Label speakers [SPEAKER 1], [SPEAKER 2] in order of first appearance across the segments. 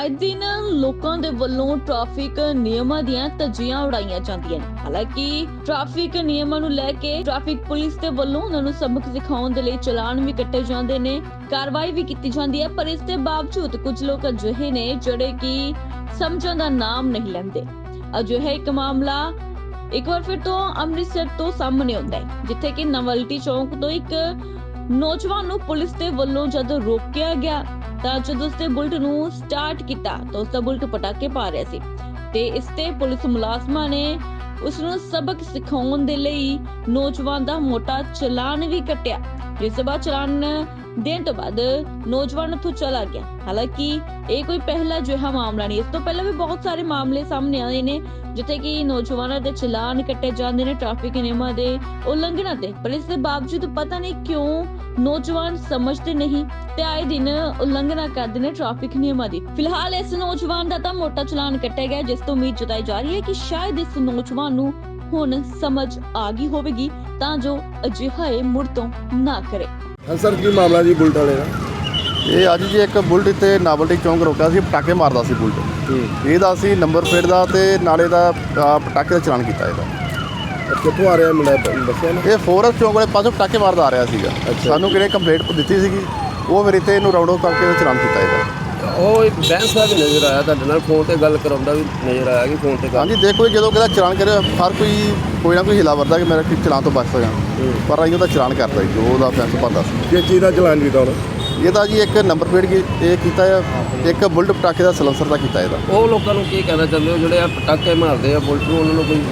[SPEAKER 1] आए दिन लोगों के वलों ट्रैफिक नियमां दीयां धज्जियां उड़ाईयां जांदियां ने। हालांकि ट्रैफिक नियमां नूं लैके ट्रैफिक पुलिस दे वलों उन्हां नूं सबक सिखाउण दे लई चलान भी कट्टे जांदे ने, कार्रवाई भी कीती जांदी है। पर इस दे बावजूद कुछ लोग अजिहे ने जिहड़े कि समझण दा नाम नहीं लैंदे। अजिहा एक मामला एक बार फिर तो अमृतसर तो सामने आउंदा है, जिथे कि नवलटी चौक तो एक नौजवान नूं पुलिस दे वल्लों जद रोकिया गया ਤਾਂ ਜਦੋਂ ਉਸਦੇ ਬੁਲਟ ਨੂੰ ਸਟਾਰਟ ਕੀਤਾ ਤਾਂ ਉਸਦਾ ਬੁਲਟ ਪਟਾਕੇ ਪਾ ਰਿਹਾ ਸੀ ਤੇ ਇਸ ਤੇ ਪੁਲਿਸ ਮੁਲਾਜ਼ਮਾਂ ਨੇ ਉਸ ਨੂੰ ਸਬਕ ਸਿਖਾਉਣ ਦੇ ਲਈ ਨੌਜਵਾਨ ਦਾ ਮੋਟਾ ਚਲਾਨ ਵੀ ਕੱਟਿਆ, ਜਿਸ ਤੋਂ ਬਾਅਦ ਚਲਾਨ ਦੇਣ ਤੋਂ ਬਾਅਦ ਨੌਜਵਾਨ ਉੱਥੋਂ ਚਲਾ ਗਿਆ। ਹਾਲਾਂਕਿ ਇਹ ਕੋਈ ਪਹਿਲਾ ਅਜਿਹਾ ਮਾਮਲਾ ਨਹੀਂ, ਇਸ ਤੋਂ ਪਹਿਲਾਂ ਵੀ ਬਹੁਤ ਸਾਰੇ ਮਾਮਲੇ ਸਾਹਮਣੇ ਆਏ ਨੇ ਜਿੱਥੇ ਕਿ ਨੌਜਵਾਨਾਂ ਦੇ ਚਲਾਨ ਕੱਟੇ ਜਾਂਦੇ ਨੇ ਟ੍ਰੈਫਿਕ ਨਿਯਮਾਂ ਦੇ ਉਲੰਘਣਾ ਤੇ, ਪਰ ਇਸ ਦੇ ਬਾਵਜੂਦ ਪਤਾ ਨਹੀਂ ਕਿਉਂ ਨੌਜਵਾਨ ਸਮਝਦੇ ਨਹੀਂ ਤੇ ਆਏ ਦਿਨ ਉਲੰਘਣਾ ਕਰਦੇ ਨੇ ਟ੍ਰੈਫਿਕ ਨਿਯਮਾਂ ਦੀ। ਫਿਲਹਾਲ ਇਸ ਨੌਜਵਾਨ ਦਾ ਤਾਂ ਮੋਟਾ ਚਲਾਨ ਕੱਟਿਆ ਗਿਆ, ਜਿਸ ਤੋਂ ਉਮੀਦ ਜਤਾਈ ਜਾ ਰਹੀ ਹੈ ਕਿ ਸ਼ਾਇਦ ਇਸ ਨੌਜਵਾਨ ਨੂੰ ਹੁਣ ਸਮਝ ਆ ਗਈ ਹੋਵੇਗੀ ਤਾਂ ਜੋ ਅਜਿਹਾ ਇਹ ਮੁੜ ਤੋਂ ਨਾ ਕਰੇ।
[SPEAKER 2] ਹਾਂ ਸਰ, ਕੀ ਮਾਮਲਾ ਜੀ ਬੁਲਟ ਵਾਲੇ ਦਾ?
[SPEAKER 3] ਇਹ ਅੱਜ ਜੀ ਇੱਕ ਬੁਲਟ ਤੇ ਨਾਵਲਟੀ ਚੌਂਕ ਰੋਕਿਆ ਸੀ, ਪਟਾਕੇ ਮਾਰਦਾ ਸੀ ਬੁਲਟ। ਇਹਦਾ ਅਸੀਂ ਨੰਬਰ ਪਲੇਟ ਦਾ ਤੇ ਨਾਲੇ ਦਾ ਪਟਾਕੇ ਦਾ ਚਲਾਨ ਕੀਤਾ ਇਹਦਾ।
[SPEAKER 2] ਕਿੱਥੋਂ ਆ ਰਿਹਾ ਮੁੰਡਾ ਦੱਸਿਆ ਨਾ?
[SPEAKER 3] ਇਹ ਫੋਰਸ ਚੌਂਕ ਵਾਲੇ ਪਾਸੋਂ ਪਟਾਕੇ ਮਾਰਦਾ ਆ ਰਿਹਾ ਸੀਗਾ। ਸਾਨੂੰ ਕਿਹਨੇ ਕੰਪਲੇਂਟ ਦਿੱਤੀ ਸੀਗੀ, ਉਹ ਫਿਰ ਇੱਥੇ ਇਹਨੂੰ ਰਾਉਂਡ ਅਪ ਕਰਕੇ ਚਲਾਨ ਕੀਤਾ ਇਹਦਾ।
[SPEAKER 2] ਉਹ ਇੱਕ ਬੈਂਸ ਦਾ ਵੀ ਨਜ਼ਰ ਆਇਆ ਤੁਹਾਡੇ ਨਾਲ, ਫੋਨ ਤੇ ਗੱਲ ਕਰਾਉਂਦਾ ਵੀ ਨਜ਼ਰ ਆਇਆ ਕਿ ਫੋਨ ਤੇ ਗੱਲ।
[SPEAKER 3] ਹਾਂਜੀ, ਦੇਖੋ ਜਦੋਂ ਕਿਹਦਾ ਚਲਾਨ ਕਰੇ ਹਰ ਕੋਈ ਨਾ ਕੋਈ ਹਿਲਾ ਵਰਦਾ ਕਿ ਮੇਰਾ ਚਲਾਨ ਤੋਂ ਬਚ ਸਕਾਂ, ਪਰ ਅਸੀਂ ਉਹਦਾ ਚਲਾਨ ਕਰਤਾ ਜੀ, ਜੋ ਉਹਦਾ ਫੈਂਸ ਬਣਦਾ ਸੀ।
[SPEAKER 2] ਕਿਸ ਚੀਜ਼ ਦਾ ਚਲਾਨ ਕੀਤਾ ਉਹਨੇ?
[SPEAKER 3] ਇਹਦਾ ਜੀ ਇੱਕ ਨੰਬਰ ਪਲੇਟ ਇਹ ਕੀਤਾ ਆ, ਇੱਕ ਬੁਲਟ ਪਟਾਕੇ ਦਾ ਸਲੈਂਸਰ ਦਾ ਕੀਤਾ ਇਹਦਾ।
[SPEAKER 2] ਉਹ ਲੋਕਾਂ ਨੂੰ ਕੀ ਕਹਿਣਾ ਚਾਹੁੰਦੇ ਹੋ ਜਿਹੜੇ ਆ ਪਟਾਕੇ ਮਾਰਦੇ ਆ ਬੁਲਟ ਨੂੰ, ਉਹਨਾਂ ਨੂੰ ਕੋਈ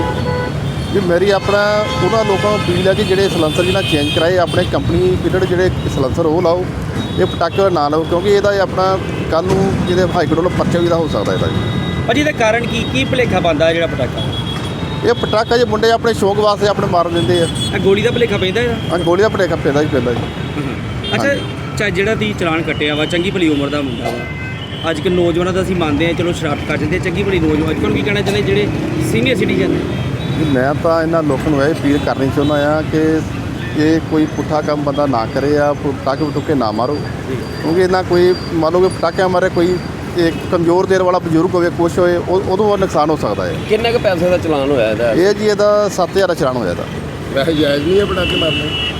[SPEAKER 3] ਵੀ ਮੇਰੀ ਆਪਣਾ ਉਹਨਾਂ ਲੋਕਾਂ ਨੂੰ ਅਪੀਲ ਹੈ ਕਿ ਜਿਹੜੇ ਸਲੈਂਸਰ ਜਿਹਨਾਂ ਚੇਂਜ ਕਰਾਏ ਆਪਣੇ ਕੰਪਨੀ ਪੀਰੀਅਡ ਜਿਹੜੇ ਸਲੈਂਸਰ ਉਹ ਲਾਓ, ਇਹ ਪਟਾਕੇ ਨਾ ਲਾਓ, ਕਿਉਂਕਿ ਇਹਦਾ ਆਪਣਾ ਕੱਲ੍ਹ ਨੂੰ ਜਿਹਦੇ ਹਾਈ ਕੋਰਟ ਵੱਲੋਂ ਪਰਚਾ ਵੀ ਦਾ ਹੋ ਸਕਦਾ ਇਹਦਾ ਜੀ।
[SPEAKER 4] ਭਾਜੀ ਇਹਦਾ ਕਾਰਨ ਕੀ ਭੁਲੇਖਾ ਪਾਉਂਦਾ ਜਿਹੜਾ ਪਟਾਕਾ?
[SPEAKER 3] ਇਹ ਪਟਾਕਾ ਜੇ ਮੁੰਡੇ ਆਪਣੇ ਸ਼ੌਕ ਵਾਸਤੇ ਆਪਣੇ ਮਾਰ ਦਿੰਦੇ ਆ।
[SPEAKER 4] ਇਹ ਗੋਲੀ ਦਾ ਭੁਲੇਖਾ ਪੈਂਦਾ ਇਹਦਾ?
[SPEAKER 3] ਹਾਂ, ਗੋਲੀ ਦਾ ਭੁਲੇਖਾ ਪੈਂਦਾ ਜੀ।
[SPEAKER 4] ਅੱਛਾ, ਜਿਹੜਾ ਤੁਸੀਂ ਚਲਾਨ ਕੱਟਿਆ ਵਾ, ਚੰਗੀ ਭਲੀ ਉਮਰ ਦਾ ਮੁੰਡਾ ਵਾ, ਅੱਜ ਕੱਲ੍ਹ ਨੌਜਵਾਨਾਂ ਦਾ ਅਸੀਂ ਮੰਨਦੇ ਹਾਂ ਚਲੋ ਸ਼ਰਾਰਤ ਕਰ ਜਾਂਦੇ, ਚੰਗੀ ਭਲੀ ਨੌਜਵਾਨ ਅੱਜ ਕੱਲ੍ਹ ਕੀ ਕਹਿਣਾ ਚਾਹੁੰਦੇ ਜਿਹੜੇ ਸੀਨੀਅਰ ਸਿਟੀਜ਼ਨ ਨੇ?
[SPEAKER 3] ਮੈਂ ਤਾਂ ਇਹਨਾਂ ਲੋਕਾਂ ਨੂੰ ਇਹ ਅਪੀਲ ਕਰਨੀ ਚਾਹੁੰਦਾ ਆ ਕਿ ਇਹ ਕੋਈ ਪੁੱਠਾ ਕੰਮ ਬੰਦਾ ਨਾ ਕਰੇ ਆ, ਪਟਾਕੇ ਪਟੂਕੇ ਨਾ ਮਾਰੋ, ਕਿਉਂਕਿ ਇਹਨਾਂ ਕੋਈ ਮੰਨ ਲਓ ਕਿ ਪਟਾਕਿਆਂ ਮਾਰੇ ਕੋਈ ਇੱਕ ਕਮਜ਼ੋਰ ਦੇਰ ਵਾਲਾ ਬਜ਼ੁਰਗ ਹੋਵੇ, ਕੁਛ ਹੋਏ, ਉਦੋਂ ਨੁਕਸਾਨ ਹੋ ਸਕਦਾ ਹੈ।
[SPEAKER 2] ਕਿੰਨੇ ਕੁ ਪੈਸੇ ਦਾ ਚਲਾਨ ਹੋਇਆ ਇਹਦਾ?
[SPEAKER 3] ਇਹ ਜੀ ਇਹਦਾ 7000 ਦਾ ਚਲਾਨ ਹੋਇਆ ਇਹਦਾ।
[SPEAKER 2] ਵੈਸੇ ਜਾਇਜ਼ ਨਹੀਂ ਹੈ ਪਟਾਕੇ ਮਾਰਨੇ?